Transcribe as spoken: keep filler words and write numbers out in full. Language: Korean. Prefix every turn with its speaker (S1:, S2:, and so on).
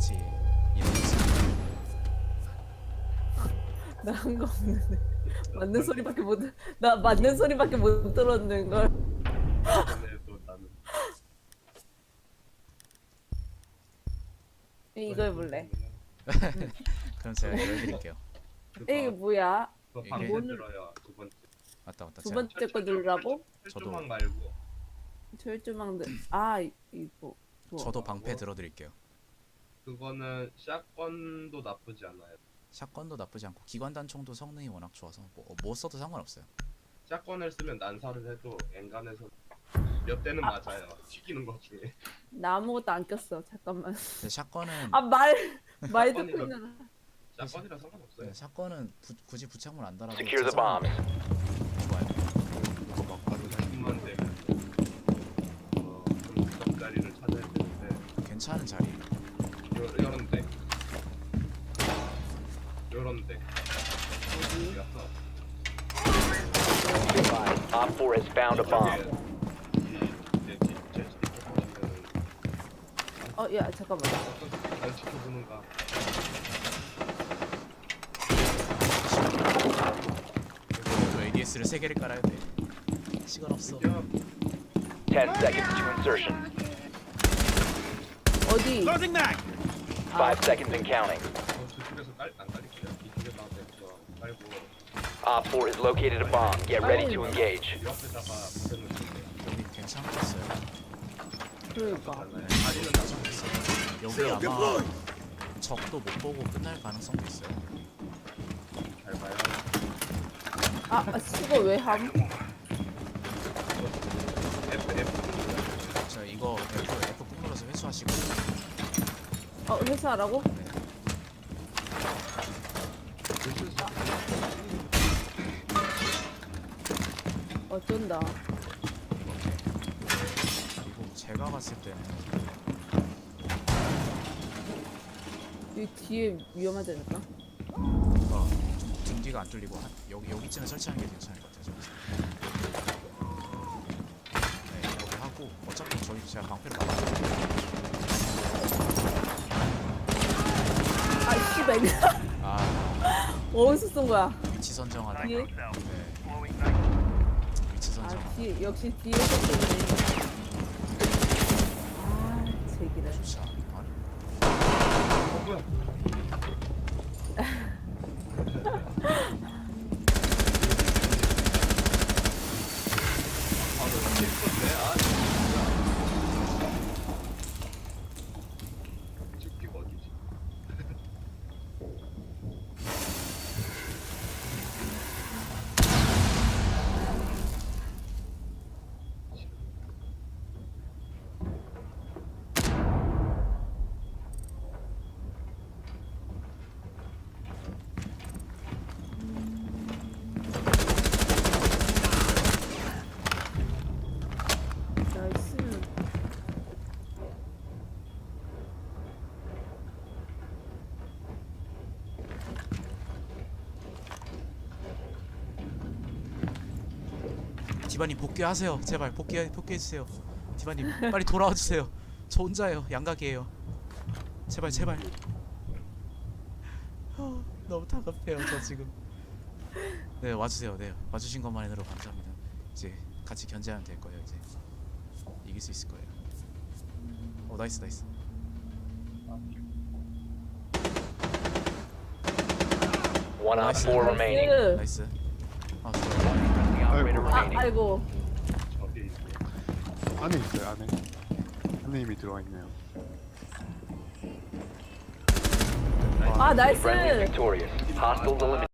S1: 혹시 이런 거 있어요?
S2: 나 한 거 없는데. 맞는 소리밖에 못, 나 맞는 소리밖에 못 들었는 걸.
S3: 전에도 나는
S2: 이거 해볼래.
S1: 그럼 제가 이거 해드릴게요.
S2: 이게
S3: 그거
S2: 뭐야?
S3: 그거
S1: 이게-
S3: 방금 들어요. 두 번째
S1: 맞다 맞다.
S2: 두
S1: 제가
S2: 번째 거 누르라고?
S3: 철조망 말고
S2: 철조망들. 아, 이- 이거. 좋아.
S1: 저도 방패 들어드릴게요.
S3: 그거는 샷건도 나쁘지 않아요.
S1: 샷건도 나쁘지 않고 기관단총도 성능이 워낙 좋아서 뭐, 뭐 써도 상관없어요.
S3: 샷건을 쓰면 난사를 해도 엔간에서 몇 대는 맞아요. 튀기는 것 중에.
S2: 나 아무것도 안 꼈어. 잠깐만.
S1: 근데 샷건은
S2: 아, 말, 말 듣고
S3: 샷건이라-
S2: 있는.
S3: 샷건이라 상관없어요.
S1: 네, 샷건은 부, 굳이 부착물 안 달아도
S4: Secure the
S1: 자석은
S4: bombs.
S1: 좋아요.
S3: 그거 막 바로 힘만 되면 어, 좀 구석자리를 찾아야 되는데
S1: 괜찮은 자리.
S3: 요, 요런 데 요런 데
S2: 어디?
S3: 가서
S4: Op four has found a bomb.
S3: 이제 제 보시면은
S2: 어, 야, 잠깐만.
S3: 안 지켜보는가.
S1: 저 에이디에스를 세 개를 깔아야 돼. 시간 없어.
S3: 야,
S4: Ten seconds to insertion.
S2: 어디?
S4: Five seconds and counting.
S3: 어, 저쪽에서 깔, 안 깔릴게요. 이쪽에다가 내서 깔고
S4: Op four has located a bomb. Get ready to engage.
S3: 옆에다가 붙여놓을게요.
S1: 여기 괜찮겠어요.
S2: 그러니까.
S3: 다리는 나가겠어요.
S1: 여기 아마 적도 못 보고 끝날 가능성도 있어요.
S3: 잘 봐요.
S2: 아, 아, 이거 왜 함?
S3: F, F.
S1: 자 이거 F F 꾹 눌러서 회수하시고.
S2: 어, 회사하라고?
S1: 네.
S2: 어쩐다.
S1: 그리고 제가 봤을 때는
S2: 여기 뒤에 위험하지 않을까?
S1: 뭔가 등 뒤가 안 뚫리고 한, 여기 여기쯤에 설치하는 게 괜찮을 것 같아요. 저기서. 네 이렇게 하고 어차피 저희 제가 방패를 막았거든요.
S2: 아, 씨발.
S1: 아
S2: 어디서 쏜 거야?
S1: 위치 선정하다.
S2: 뒤에?
S1: 네. 위치 선정.
S2: 아, 뒤에, 역시 뒤에서 쏘네. 아, 제기다.
S1: 좋지 않아?
S3: 어, 뭐야? 아, 너 진짜 예뻤네. 아, 진짜. 죽기가 어디지?
S2: 나이스.
S1: 디바님 복귀하세요. 제발 복귀 복귀해 주세요. 디바님 빨리 돌아와 주세요. 저 혼자예요. 양각이에요. 제발 제발. 아, 너무 다급해요. 저 지금. 네 와주세요. 네 와주신 것만으로 감사합니다. 이제 같이 견제하면 될 거예요. 이제 이길 수 있을 거예요. 어 나이스 나이스.
S4: One Op
S1: Nice.
S4: four remaining.
S2: 나이스.
S1: 나이스. 아 좋아요.
S4: The operator
S2: 아,
S4: remaining.
S2: 아이고.
S3: 저기 있네.
S5: 안에 있어요, 안에. 안에 이미 들어와 있네요.
S2: 아, 나이스.
S4: Friendly is victorious. Hostiles eliminated.